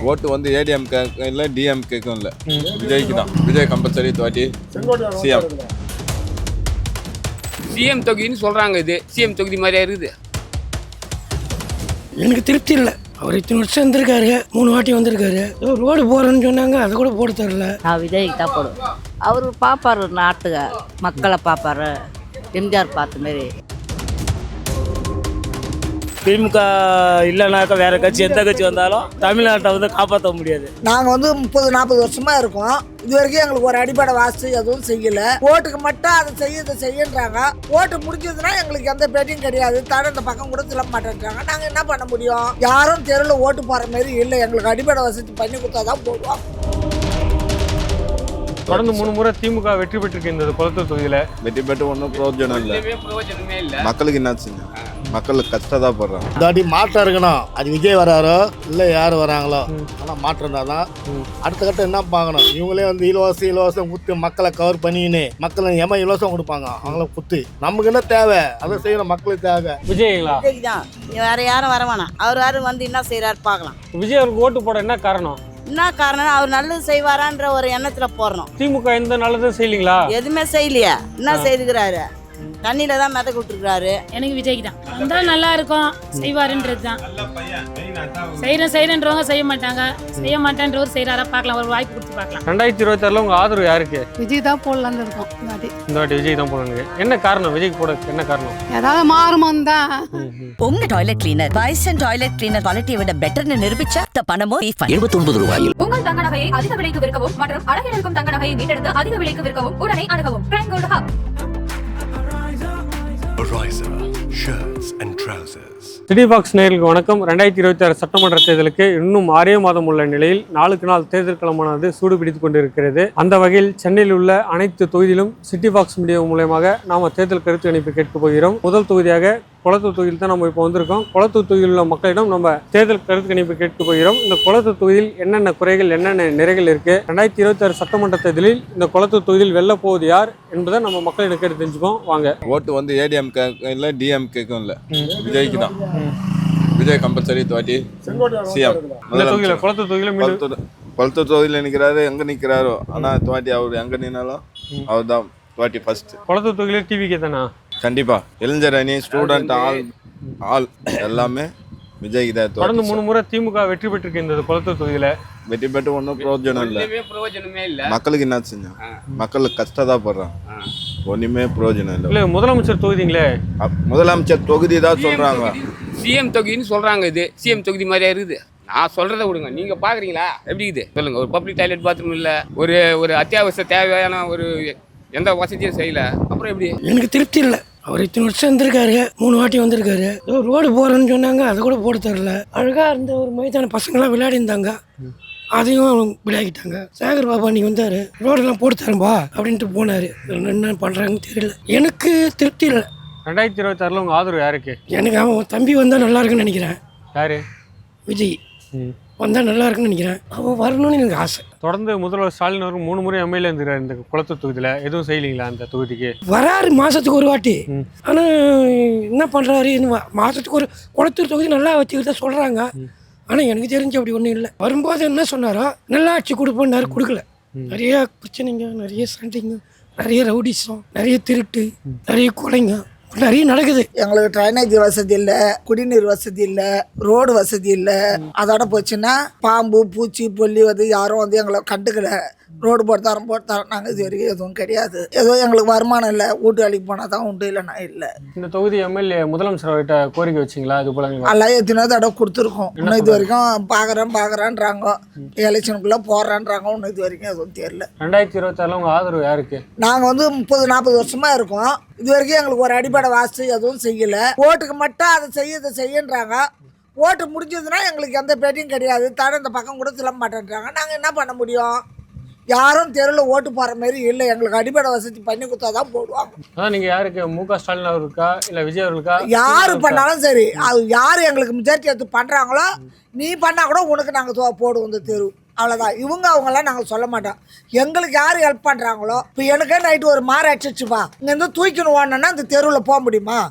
ஓட்டு வந்து ஏடிஎம்கே இல்லை டிஎம்கேக்கும் இல்லை, விஜய்க்கு தான். விஜய் கம்பல்சரி தோட்டி சிஎம். சிஎம் தொகுதின்னு சொல்கிறாங்க. இது சிஎம் தொகுதி மாதிரியா இருக்குது. எனக்கு திருப்தி இல்லை. அவர் இத்தனை வருஷம் வந்திருக்காரு, 3 வாட்டி வந்திருக்காரு. ரோடு போகிறேன்னு சொன்னாங்க, அதை கூட போட தரல. நான் விஜய்க்கு தான் போடுவேன். அவர் பார்ப்பாரு, நாட்டுக்கு மக்களை பார்ப்பாரு, எம்ஜிஆர் பார்த்த மாரி. திமுக இல்லைனாக்கா வேற கட்சி எந்த கட்சி வந்தாலும் தமிழ்நாட்டை வந்து காப்பாற்ற முடியாது. நாங்கள் வந்து 30-40 வருஷமா இருக்கோம். இது வரைக்கும் எங்களுக்கு ஒரு அடிப்படை வாசி எதுவும் செய்யல. ஓட்டுக்கு மட்டும் அதை செய்யன்றாங்க. ஓட்டு முடிஞ்சதுன்னா எங்களுக்கு எந்த பேட்டியும் கிடையாது. தட இந்த பக்கம் கூட சொல்ல மாட்டேன்றாங்க. நாங்கள் என்ன பண்ண முடியும்? யாரும் தெருவில் ஓட்டு போற மாதிரி இல்லை. எங்களுக்கு அடிப்படை வசதி பண்ணி கொடுத்தாதான் போடுவோம். தொடர்ந்து 3 முறை திமுக வெற்றி பெற்றிருக்கு இந்த குளத்தூர் தொகுதியில. வெற்றி பெற்று ஒன்றும் பிரயோஜனம் இல்லை. பிரயோஜனமே இல்லை. மக்களுக்கு என்ன செஞ்சு மக்களுக்கு கஷ்டதான் போடுறாங்க. தாட்டி மாற்றம் இருக்கணும். அது விஜய் வராரோ இல்லை யார் வராங்களோ, ஆனால் மாற்றம் இருந்தால் தான் அடுத்த கட்டம் என்ன பார்க்கணும். இவங்களே வந்து இலவசம் குத்து மக்களை கவர் பண்ணிக்கின்னு மக்களை இலவசம் கொடுப்பாங்க. அவங்கள குத்து நமக்கு என்ன தேவை அதை செய்யணும். மக்களுக்கு தேவை விஜய்ங்களா? விஜய்க்கு தான். வேற யாரும் வர வேணாம். அவர் வந்து என்ன செய்யறாரு பார்க்கலாம். விஜய் அவருக்கு ஓட்டு போட என்ன காரணம்? என்ன காரணம்? அவர் நல்லது செய்வாரான்ற ஒரு எண்ணத்துல போறணும். திமுக எந்த நல்லதும் செய்யலீங்களா? எதுவுமே செய்யலையா? என்ன செய்துக்கிறாரு? தண்ணியில தான் மிதக்க விட்டுருக்காரு. எனக்கு விஜய்க்கு தான் வந்தால் நல்லா இருக்கும், செய்வாருன்றது தான். செய்யறன்றவங்க செய்ய மாட்டாங்க, செய்ய மாட்டேன்றவர் செய்யறாரா பார்க்கலாம். ஒரு வாய்ப்பு கொடுத்து பார்க்கலாம். 2026 உங்க ஆதரவு யாருக்கு? விஜய் தான் போடலான்னு இருக்கோம். இந்த வாட்டி விஜய் தான் போடணும். என்ன காரணம் விஜய்க்கு போட? என்ன காரணம்? ஏதாவது மாறுமான்னு தான். உங்க toilet cleaner Bison toilet cleaner குவாலிட்டியை விட பெட்டர்னு நிரூபிச்சா பணமும் 79 ரூபாயில். உங்கள் தங்க நகையை அதிக விலைக்கு விற்கவும் மற்றும் அழகில் இருக்கும் தங்க நகையை மீட்டெடுத்து அதிக விலைக்கு விற்கவும் உடனே அணுகவும் prime gold hub. City box நேயர்களுக்கு வணக்கம். 2026 சட்டமன்ற தேர்தலுக்கு இன்னும் 6 மாதம் உள்ள நிலையில் நாளுக்கு நாள் தேர்தல் களமானது சூடு பிடித்துக் கொண்டிருக்கிறது. அந்த வகையில் சென்னையில் உள்ள அனைத்து தொகுதியிலும் சிட்டி பாக்ஸ் மீடியா மூலமாக நாம தேர்தல் கருத்து கணிப்பு கேட்க போகிறோம். முதல் தொகுதியாக குளத்தூர் தொகுதியில் தான் நம்ம இப்போ வந்திருக்கோம். குளத்தூர் தொகுதியில் உள்ள மக்களிடம் நம்ம தேர்தல் கருத்து கணிப்பு கேட்க போகிறோம். இந்த குளத்தூர் தொகுதியில் என்னென்ன குறைகள், என்னென்ன நிறைகள் இருக்கு, 2026 சட்டமன்ற தேர்தலில் இந்த குளத்தூர் தொகுதியில் வெல்ல போவது யார் என்பதை நம்ம மக்களிடம் கேட்டு தெரிஞ்சுப்போம். வாங்க. ஓட்டு வந்து ஏடிஎம்கே இல்லை டிஎம்கேக்கும் இல்லை, விஜய்க்கு தான். விஜய் கம்பல்சரி தோட்டி சிஎம். குளத்தூர் தொகுதியில் நிற்கிறாரு, எங்கே நிற்கிறாரோ. ஆனால் தோட்டி அவர் எங்கே நின்னாலும் அவர் தான் தோட்டி ஃபர்ஸ்ட். குளத்தூர் தொகுதியில் டிவிக்கே தானா? கண்டிப்பா. இளைஞர் அணி, ஸ்டூடெண்ட், ஆல் எல்லாமே விஜய்க்கு தான். தொடர்ந்து 3 முறை திமுக வெற்றி பெற்றிருக்கு இந்த குளத்தூர் தொகுதியில. வெற்றி பெற்று ஒன்றும் பிரயோஜனம் இல்லை. பிரயோஜனமே இல்லை. மக்களுக்கு என்ன செஞ்சோம்? மக்களுக்கு கஷ்டதான் போடுறாங்க. ஒன்றுமே பிரயோஜனம் இல்லை. இல்லை, முதலமைச்சர் தொகுதிங்களே. முதலமைச்சர் தொகுதி தான் சொல்றாங்க. சிஎம் தொகுதின்னு சொல்கிறாங்க. இது சிஎம் தொகுதி மாதிரியா இருக்குது. நான் சொல்கிறத விடுங்க, நீங்கள் பார்க்குறீங்களா எப்படி இருக்குது சொல்லுங்கள். ஒரு பப்ளிக் டாய்லெட் பாத்ரூம் இல்லை, ஒரு அத்தியாவசிய தேவையான ஒரு எந்த வசதியும் செய்யலை. அப்புறம் எப்படி? எனக்கு திருப்தி இல்லை. அவர் இத்தனை வருஷம் வந்திருக்காரு, 3 வாட்டி வந்திருக்காரு. ரோடு போகிறேன்னு சொன்னாங்க, அதை கூட போட தரல. அழகாக இருந்த ஒரு மைதான பசங்களாம் விளையாடி இருந்தாங்க, அதையும் விளையாடிட்டாங்க. சேகர் பாபா அன்னைக்கு வந்தார், ரோடெல்லாம் போட்டு தரம்பா அப்படின்ட்டு போனார். என்ன பண்ணுறாங்கன்னு தெரியல. எனக்கு திருப்தி இல்லை. 2026 உங்க ஆதரவு யாருக்கு? எனக்கு அவன் தம்பி வந்தால் நல்லா இருக்குன்னு நினைக்கிறேன். யாரு? விஜய் வந்தால் நல்லா இருக்குன்னு நினைக்கிறேன். அவன் வரணும்னு எனக்கு ஆசை. தொடர்ந்து முதல்வர் ஸ்டாலின் அவர்கள் 3 முறை எம்எல்ஏ இருந்துக்கிறார் இந்த குளத்தூர் தொகுதியில். எதுவும் செய்யலீங்களா அந்த தொகுதிக்கு? வராரு மாதத்துக்கு ஒரு வாட்டி. ஆனால் என்ன பண்ணுறாரு, மாதத்துக்கு ஒரு குளத்தூர் தொகுதி நல்லா வச்சுக்கிட்டு தான் சொல்கிறாங்க. ஆனால் எனக்கு தெரிஞ்சு அப்படி ஒன்றும் இல்லை. வரும்போது என்ன சொன்னாரோ, நல்லா ஆட்சி கொடுப்போன்னாரு, கொடுக்கல. நிறைய பிரச்சனைங்க, நிறைய சண்டைங்க, நிறைய ரவுடிசம், நிறைய திருட்டு, நிறைய கொலைங்க நிறைய நடக்குது. எங்களுக்கு ட்ரைனேஜ் வசதி இல்லை, குடிநீர் வசதி இல்லை, ரோடு வசதி இல்லை. அதோட போச்சுன்னா பாம்பு பூச்சி பொல்லி வந்து யாரும் வந்து எங்களை கண்டுக்கல. ரோடு போட்டு தரோம் நாங்கள் இது வரைக்கும் எதுவும் கிடையாது. ஏதோ எங்களுக்கு வருமானம் இல்லை, வீட்டு வேலைக்கு போனால் தான் உண்டு, இல்லைன்னா இல்லை. இந்த தொகுதி எம்எல்ஏ முதலமைச்சர் அவர்கிட்ட கோரிக்கை வச்சிங்களா? இது போல எல்லாம் எத்தனையோ தடவை கொடுத்துருக்கோம். இன்னும் இது வரைக்கும் பார்க்குறான்றாங்க, எலெக்ஷனுக்குள்ளே போடுறான்றாங்க. இன்னும் இது வரைக்கும் எதுவும் தெரியல. 2026 உங்கள் ஆதரவு யாருக்கு? நாங்கள் வந்து 30-40 வருஷமா இருக்கோம். இது வரைக்கும் எங்களுக்கு ஒரு அடிப்படை வாசி எதுவும் செய்யலை. ஓட்டுக்கு மட்டும் அதை செய்யன்றாங்க. ஓட்டு முடிஞ்சதுன்னா எங்களுக்கு எந்த பேட்டியும் கிடையாது. தட இந்த பக்கம் கூட சொல்ல மாட்டேன்றாங்க. நாங்கள் என்ன பண்ண முடியும்? யாரும் தெருவில் ஓட்டு போகிற மாதிரி இல்லை. எங்களுக்கு அடிப்படை வசதி பண்ணி கொடுத்தா தான் போடுவாங்க. அதான் நீங்கள் யாருக்கு? மு.க. ஸ்டாலின் அவருக்கா இல்லை விஜய் அவர்களுக்கா? யார் பண்ணாலும் சரி, அது யார் எங்களுக்கு மெஜாரிட்டி எடுத்து பண்ணுறாங்களோ, நீ பண்ணால் கூட உனக்கு நாங்கள் போடுவோம் இந்த தெரு. அவ்வளோதான். அவங்கெல்லாம் நாங்கள் சொல்ல மாட்டோம். எங்களுக்கு யார் ஹெல்ப் பண்ணுறாங்களோ, இப்போ எனக்கே நைட்டு ஒரு மாறு அடிச்சிச்சுப்பா, இங்கேருந்து தூக்கின்னு ஓடணுன்னா இந்த தெருவில் போக முடியுமா?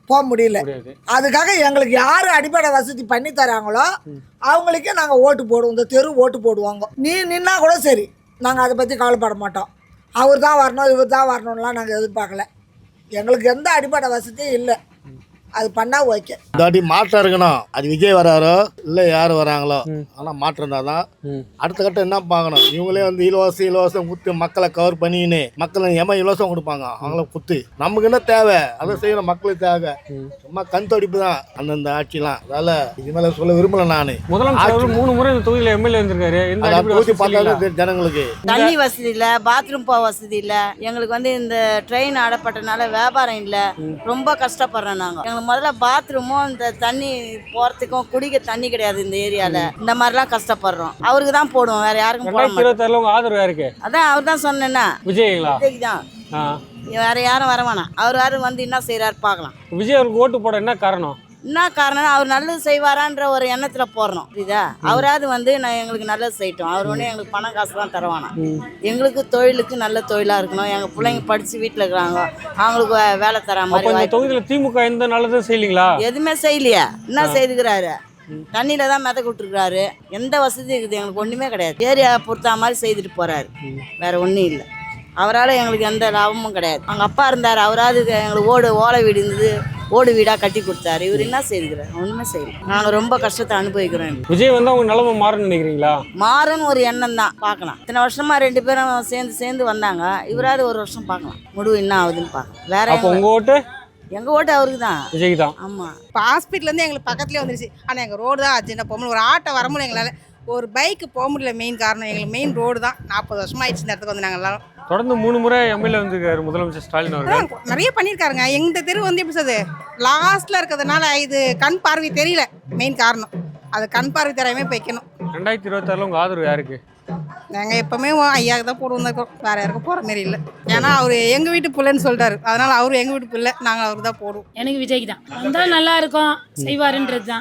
போக முடியல. அதுக்காக எங்களுக்கு யார் அடிப்படை வசதி பண்ணி தராங்களோ அவங்களுக்கே நாங்கள் ஓட்டு போடுவோம். இந்த தெரு ஓட்டு போடுவாங்க. நீ நின்னா கூட சரி, நாங்கள் அதை பற்றி கவலைப்பட மாட்டோம். அவர் தான் வரணும் இவர் தான் வரணும்லாம் நாங்கள் எதிர்பார்க்கல. எங்களுக்கு எந்த அடிப்படை வசதியும் இல்லை. அது பண்ணால் ஓகே. இந்த வாட்டி மாற்றம் இருக்கணும். அது விஜய் வராரோ இல்லை யார் வராங்களோ, ஆனால் மாற்றம் இருந்தால் தான் அடுத்த கட்டம் என்ன பார்க்கணும். இவங்களே வந்து இலவசம் குத்து மக்களை கவர் பண்ணிக்கின்னு மக்களை இலவசம் கொடுப்பாங்க. அவங்கள குத்து நமக்கு என்ன தேவை அதை செய்யணும். மக்களுக்கு தேவை. சும்மா கண் தொடிப்பு தான் அந்தந்த ஆட்சிலாம். அதால இது மேலே சொல்ல விரும்பல. நான் முதலமைச்சர் 3 முறை இந்த தொகுதியில் எம்எல்ஏ வந்திருக்காரு. தொகுதி பார்த்தாலே ஜனங்களுக்கு தண்ணி வசதி இல்லை, பாத்ரூம் போக வசதி இல்லை. எங்களுக்கு வந்து இந்த ட்ரெயின் ஆடப்பட்டனால வியாபாரம் இல்லை. ரொம்ப கஷ்டப்படுறோம் நாங்கள். முதல்ல பாத்ரூமும் இந்த தண்ணி போறதுக்கும் குடிக்க தண்ணி கிடையாது இந்த ஏரியால. இந்த மாதிரிலாம் கஷ்டப்படுறோம். அவருக்கு தான் போடுவோம், வேற யாருக்கும் போட மாட்டோம். 2026 உங்க ஆதரவு யாருக்கு? அதான் அவர் தான் சொன்னேன்னா விஜய்ங்களா? விஜய்க்கு தான். வேற யாரும் வர வேணாம். அவர் வந்து என்ன செய்யறாரு பார்க்கலாம். விஜய் அவருக்கு ஓட்டு போட என்ன காரணம்? என்ன காரணம், அவர் நல்லது செய்வாரான்ற ஒரு எண்ணத்தில் போடுறோம். புரியுதா? அவராது வந்து நான் எங்களுக்கு நல்லது செய்யட்டும். அவர் ஒன்றும் எங்களுக்கு பணம் காசு தான் தருவானா. எங்களுக்கு தொழிலுக்கு நல்ல தொழிலாக இருக்கணும். எங்கள் பிள்ளைங்க படித்து வீட்டில் இருக்கிறாங்க, அவங்களுக்கு வேலை தர மாதிரி. தொகுதியில் திமுக எந்த நல்லதும் செய்யலீங்களா? எதுவுமே செய்யலையா? என்ன செய்துக்கிறாரு? தண்ணியில் தான் மிதக்க விட்டுருக்குறாரு. எந்த வசதி இருக்குது எங்களுக்கு? ஒன்றுமே கிடையாது. ஏரியா பொறுத்த மாதிரி செய்துட்டு போகிறாரு. வேற ஒன்றும் இல்லை. அவரால் எங்களுக்கு எந்த லாபமும் கிடையாது. அவங்க அப்பா இருந்தார், அவராது எங்களுக்கு ஓலை வீடு இருந்தது, ஓடு வீடாக கட்டி கொடுத்தாரு. இவர் என்ன செய்துக்கிறார்? ஒன்றுமே செய்யல. நாங்கள் ரொம்ப கஷ்டத்தை அனுபவிக்கிறோம். விஜய் வந்து அவங்க நிலைமை மாறுன்னு நினைக்கிறீங்களா? மாறுன்னு ஒரு எண்ணம் தான். பார்க்கலாம். இத்தனை வருஷமா 2 பேரும் சேர்ந்து வந்தாங்க. இவராது ஒரு வருஷம் பார்க்கலாம். முடிவு என்ன ஆகுதுன்னு பார்க்கலாம். வேற உங்க ஓட்டு? எங்கள் ஓட்டு அவருக்கு தான். விஜய்க்கு தான். ஆமாம். இப்போ ஹாஸ்பிட்டல்லேருந்து எங்களுக்கு பக்கத்துலேயே வந்துருச்சு. ஆனால் எங்கள் ரோடு தான் ஆச்சு. என்ன போக முடியல. ஒரு ஆட்டோ வர முடியல எங்களால். ஒரு பைக்கு போக முடியல. மெயின் காரணம் எங்களுக்கு மெயின் ரோடு தான். 40 வருஷமாக ஆயிடுச்சு இந்த இடத்துக்கு வந்து நாங்கள் எல்லாரும். தொடர்ந்து 3 முறை எம்எல்ஏ வந்திருக்காரு முதலமைச்சர் ஸ்டாலின் அவர்கள். நிறைய பண்ணியிருக்காருங்க. எங்கள் தெரு வந்து எப்படி சொல்றது, லாஸ்ட்டில் இருக்கிறதுனால இது கண் பார்வை தெரியல. மெயின் காரணம் அது கண் பார்வை தெரியாமல் வைக்கணும். 2026 உங்க ஆதரவு யாருக்கு? நாங்கள் எப்போவுமே ஐயாவுக்கு தான் போடுவோம். வேறு யாருக்கும் போகிற மாரி இல்லை. ஏன்னா அவர் எங்கள் வீட்டு பிள்ளைன்னு சொல்லிட்டாரு. அதனால் அவரு எங்கள் வீட்டு பிள்ளை, நாங்கள் அவருக்கு தான் போடுவோம். எனக்கு விஜய்க்கு தான் வந்தால் நல்லா இருக்கும். செய்வாருன்றது தான்.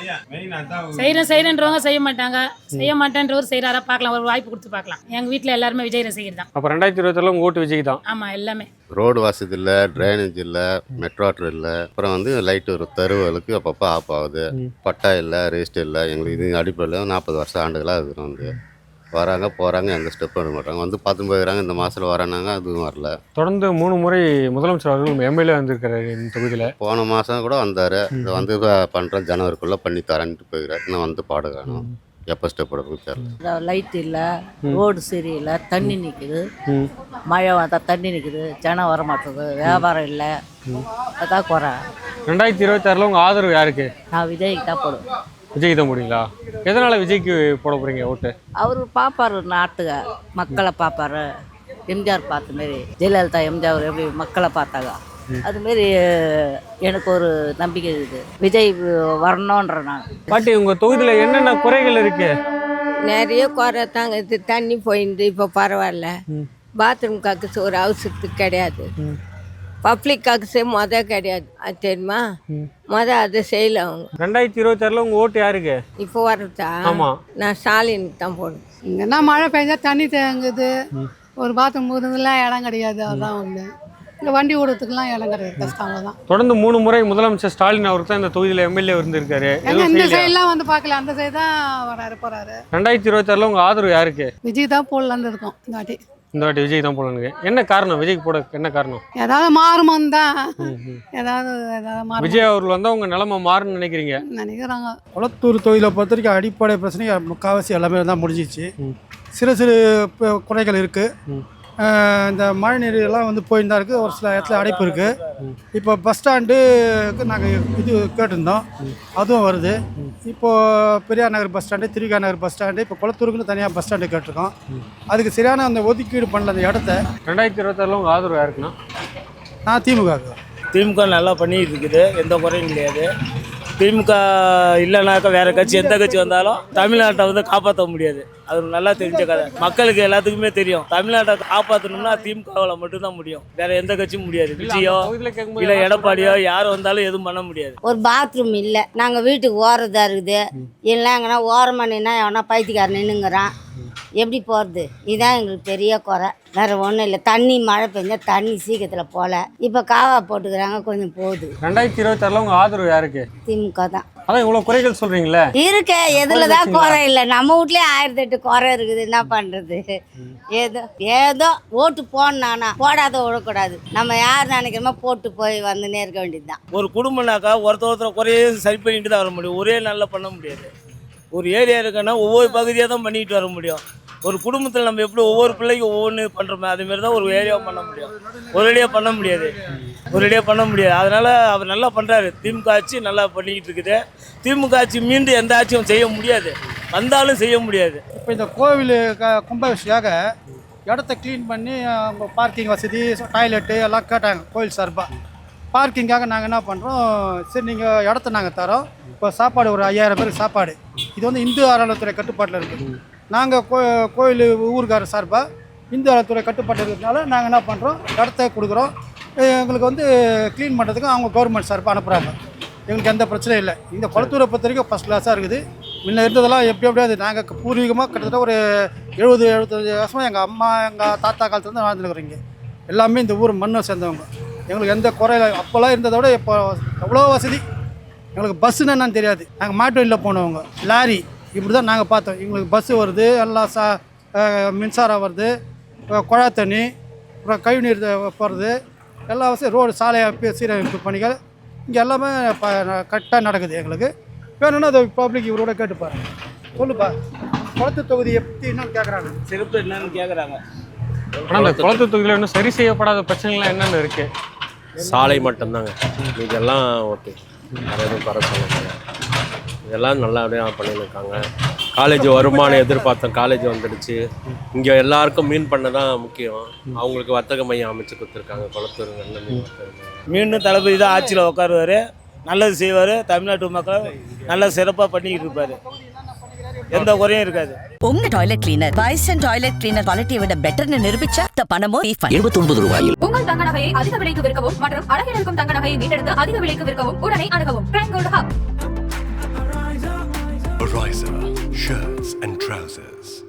செய்கிறேன்றவங்க செய்ய மாட்டாங்க. செய்ய மாட்டேன்றவர் செய்கிறாரா பார்க்கலாம். ஒரு வாய்ப்பு கொடுத்து பார்க்கலாம். எங்கள் வீட்டில் எல்லாருமே விஜய் ரசிகர் தான். அப்போ 2026 உங்க ஓட்டு விஜய்க்கு தான். ஆமாம், எல்லாமே. ரோடு வசதி இல்லை, ட்ரைனேஜ் இல்லை, மெட்ரோ வாட்டர் இல்லை. அப்புறம் வந்து லைட்டு ஒரு தெருவுகளுக்கு அப்பப்போ ஆஃப் ஆகுது. பட்டா இல்லை, ரெஜிஸ்டர் இல்லை. எங்களுக்கு இது அடிப்படையில் 40 வருஷம் ஆண்டுகளாக இருக்கிறோம். வந்து வராங்க போகிறாங்க, எந்த ஸ்டெப் எடுக்க மாட்டாங்க. வந்து பார்த்து போயிடுறாங்க. இந்த மாதத்தில் வரானாங்க, அதுவும் வரல. தொடர்ந்து 3 முறை முதலமைச்சர் அவர்கள் எம்எல்ஏ வந்திருக்காரு இந்த தொகுதியில். போன மாதம் கூட வந்தார். இதை வந்து பண்ணுறேன் ஜனவரிக்குள்ளே பண்ணி தரேன்ட்டு போயிருக்காரு. இன்னும் வந்து பாடு காணும். எப்போ ஸ்டெப் எடுக்க தெரியல. லைட் இல்லை, ரோடு சரியில்லை, தண்ணி நிற்குது. மழை வந்தால் தண்ணி நிற்குது, ஜனம் வர மாட்டேங்குது, வியாபாரம் இல்லை. அதான் குறை. 2026 உங்க ஆதரவு யாருக்கு? நான் விஜய்க்கு தான் போடுவேன். விஜய் தான் போடுவீங்களா? எதனால் விஜய்க்கு போட போகிறீங்க ஓட்டு? அவர் பார்ப்பார், நாட்டுக்கு மக்களை பார்ப்பாரு. எம்ஜிஆர் பார்த்த மாரி, ஜெயலலிதா எம்ஜிஆர் எப்படி மக்களை பார்த்தாங்க, அதுமாரி எனக்கு ஒரு நம்பிக்கை இருக்குது. விஜய் வரணுன்ற நான். பாட்டி, உங்கள் தொகுதியில் என்னென்ன குறைகள் இருக்கு? நிறைய குறை தாங்க. இது தண்ணி போயிருந்து இப்போ பரவாயில்ல. பாத்ரூம் காக்கு ஒரு அவசரத்துக்கு கிடையாது. பப்ளிக் காக்கு கிடையாது. அது தெரியுமா? அதை செய்யல அவங்க. 2026 உங்க ஓட்டு யாருக்கு? இப்போ வரதா? ஆமா, நான் ஸ்டாலினுக்கு தான் போடுவேன். இங்கன்னா மழை பெஞ்சா தண்ணி தேங்குது. ஒரு பாத்ரூம் போகிறதுலாம் இடம் கிடையாது. அதுதான் ஒன்று. இந்த வண்டி ஓடுறதுக்குலாம் இடம் கிடையாது. கஷ்டம் தான். தொடர்ந்து 3 முறை முதலமைச்சர் ஸ்டாலின் அவருக்கு தான் இந்த தொகுதியில் எம்எல்ஏ இருந்திருக்காரு. இந்த சைட்லாம் வந்து பார்க்கல. அந்த சைடு தான் வராரு போறாரு. 2026 உங்க ஆதரவு யாருக்கு? விஜய் தான் போடலான்னு இருக்கோம் இந்த வாட்டி. இந்த வாட்டி விஜய் தான் போடலான்னு. என்ன காரணம் விஜய்க்கு போட? என்ன காரணம்? ஏதாவது மாறுமான்னு தான். ஏதாவது விஜய் அவர்கள் வந்தால் உங்கள் நிலைமை மாறுன்னு நினைக்கிறீங்க? நினைக்கிறாங்க. குளத்தூர் தொகுதியில் பொறுத்த வரைக்கும் அடிப்படை பிரச்சனை முக்கால்வாசி எல்லாமே தான் முடிஞ்சிச்சு. சிறு குறைகள் இருக்குது. இந்த மழை நீர் எல்லாம் வந்து போயின்னு தான் இருக்குது. ஒரு சில இடத்துல அடைப்பு இருக்குது. இப்போ பஸ் ஸ்டாண்டுக்கு நாங்கள் இது கேட்டிருந்தோம், அதுவும் வருது. இப்போது Periyar Nagar bus stand, Thiruvika Nagar bus stand, இப்போ குளத்தூருக்குன்னு தனியாக பஸ் ஸ்டாண்டு கேட்டிருக்கோம். அதுக்கு சரியான அந்த ஒதுக்கீடு பண்ணல அந்த இடத்த. 2026 உங்கள் ஆதரவு யாருக்குன்னா? நான் திமுக. திமுக நல்லா பண்ணிட்டு இருக்குது, எந்த குறையும் கிடையாது. திமுக இல்லைனாக்கா வேறு கட்சி எந்த கட்சி வந்தாலும் தமிழ்நாட்டை வந்து காப்பாற்ற முடியாது. அது நல்லா தெரிஞ்ச கதை. மக்களுக்கு எல்லாத்துக்குமே தெரியும். தமிழ்நாட்டை காப்பாற்றணும்னா திமுகவில் மட்டும்தான் முடியும். வேற எந்த கட்சியும் முடியாது. விஜயோ இல்லை எடப்பாடியோ யார் வந்தாலும் எதுவும் பண்ண முடியாது. ஒரு பாத்ரூம் இல்லை. நாங்கள் வீட்டுக்கு ஓரதாக இருக்குது. இல்லைங்கன்னா ஓரமாக நின்னா எவனா பைத்தியக்காரன் நின்றுங்கிறான். எப்படி போகிறது? இதுதான் எங்களுக்கு பெரிய குறை, வேறு ஒன்றும் இல்லை. தண்ணி மழை பெஞ்சால் தண்ணி சீக்கிரத்தில் போகல. இப்போ காவா போட்டுக்கிறாங்க, கொஞ்சம் போகுது. 2026 உங்கள் ஆதரவு யாருக்கு? திமுக தான். அதான் இவ்வளோ குறைகள் சொல்கிறீங்களே. இருக்க எதில் தான் குறை இல்லை? நம்ம வீட்லேயே 1008 குறை இருக்குது, என்ன பண்ணுறது? ஏதோ ஓட்டு போடணானா போடாத விடக்கூடாது. நம்ம யார் நினைக்கிறோமோ போட்டு போய் வந்துன்னே இருக்க வேண்டியது தான். ஒரு குடும்பம்னாக்கா ஒருத்தர் குறையே சரி பண்ணிட்டு தான் வர முடியும். ஒரே நல்லா பண்ண முடியாது. ஒரு ஏரியா இருக்குன்னா ஒவ்வொரு பகுதியாக தான் பண்ணிட்டு வர முடியும். ஒரு குடும்பத்தில் நம்ம எப்படி ஒவ்வொரு பிள்ளைக்கும் ஒவ்வொன்று பண்ணுறோமோ அதுமாரி தான் ஒரு ஏரியாவை பண்ண முடியும். ஒரேடியாக பண்ண முடியாது. அதனால் அவர் நல்லா பண்ணுறாரு. திமுக ஆட்சி நல்லா பண்ணிக்கிட்டு இருக்குது. திமுக ஆட்சி மீண்டும் எந்த ஆட்சியும் செய்ய முடியாது, வந்தாலும் செய்ய முடியாது. இப்போ இந்த கோவில் கும்பாபிஷேகாக இடத்த க்ளீன் பண்ணி அவங்க பார்க்கிங் வசதி, டாய்லெட்டு எல்லாம் கேட்டாங்க கோவில் சார்பாக. பார்க்கிங்காக நாங்கள் என்ன பண்ணுறோம், சரி நீங்கள் இடத்த நாங்கள் தரோம், இப்போ சாப்பாடு ஒரு 5000 பேருக்கு சாப்பாடு. இது வந்து இந்து அறநிலையத்துறை கட்டுப்பாட்டில் இருக்குது. நாங்கள் கோயில் ஊருக்கார சார்பாக இந்து அறநிலையத்துறை கட்டுப்பாட்டில் இருக்கிறதுனால நாங்கள் என்ன பண்ணுறோம், இடத்த கொடுக்குறோம். எங்களுக்கு வந்து க்ளீன் பண்ணுறதுக்கு அவங்க கவர்மெண்ட் சார்பாக அனுப்புகிறாங்க. எங்களுக்கு எந்த பிரச்சனையும் இல்லை. இந்த குளத்தூரை பொறுத்த வரைக்கும் ஃபஸ்ட் கிளாஸாக இருக்குது. முன்ன இருந்ததெல்லாம் எப்படியாது நாங்கள் பூர்வீகமாக கிட்டத்தட்ட ஒரு 70-75 வருஷமாக எங்கள் அம்மா எங்கள் தாத்தா காலத்துலேருந்து வாழ்ந்துருக்குறீங்க. எல்லாமே இந்த ஊர் மண்ணை சேர்ந்தவங்க. எங்களுக்கு எந்த குறையில அப்போல்லாம் இருந்ததை விட இப்போ எவ்வளோ வசதி. எங்களுக்கு பஸ்ஸுன்னு என்னன்னு தெரியாது. நாங்கள் மாட்டு வண்டியில் போனவங்க, லாரி இப்படி தான் நாங்கள் பார்த்தோம். எங்களுக்கு பஸ்ஸு வருது, எல்லாம் மின்சாரம் வருது, குழா தண்ணி, அப்புறம் கழிவுநீர் போகிறது, எல்லா வசதி, ரோடு சாலை சீரமைப்பு பணிகள் இங்கே எல்லாமே கரெக்டாக நடக்குது. எங்களுக்கு வேணும்னா அது பப்ளிக் இவரோட கேட்டுப்பாரு. சொல்லுப்பா, குளத்து தொகுதியை பற்றி என்னன்னு கேட்குறாங்க, சிறப்பு என்னன்னு கேட்குறாங்க. ஆனால் அந்த குளத்து தொகுதியில் இன்னும் சரி செய்யப்படாத பிரச்சனைகள்லாம் என்னென்ன இருக்குது? சாலை மட்டும்தாங்க, இதெல்லாம் ஓகே, வேறு எதுவும் குறை சொல்லுங்க. இதெல்லாம் நல்லபடியாக பண்ணியிருக்காங்க. காலேஜ் வருமானம் எதிர்பார்த்தோம், காலேஜ் வந்துடுச்சு. இங்கே எல்லாருக்கும் மீன் பண்ண தான் முக்கியம். அவங்களுக்கு வர்த்தக மையம் அமைச்சு கொடுத்துருக்காங்க குளத்தூர் நல்ல மீன் வர்த்தக. மீண்டும் தளபதி தான் ஆட்சியில் உட்காருவார், நல்லது செய்வார். தமிழ்நாட்டு மக்கள் நல்லா சிறப்பாக பண்ணிக்கிட்டு இருப்பார், எந்த குறையும் இருக்காது. உங்க toilet cleaner Bison toilet cleaner குவாலிட்டியை விட பெட்டர்னு நிரூபிச்சா பணமோ ரீஃபண்ட். 79 ரூபாயில் உங்கள் தங்க நகையை அதிக விலைக்கு விற்கவும் மற்றும் அழகில் இருக்கும் தங்க நகையை மீட்டெடுத்து அதிக விலைக்கு விற்கவும் உடனே அணுகவும் prime gold hub. Ariza shirts and trousers.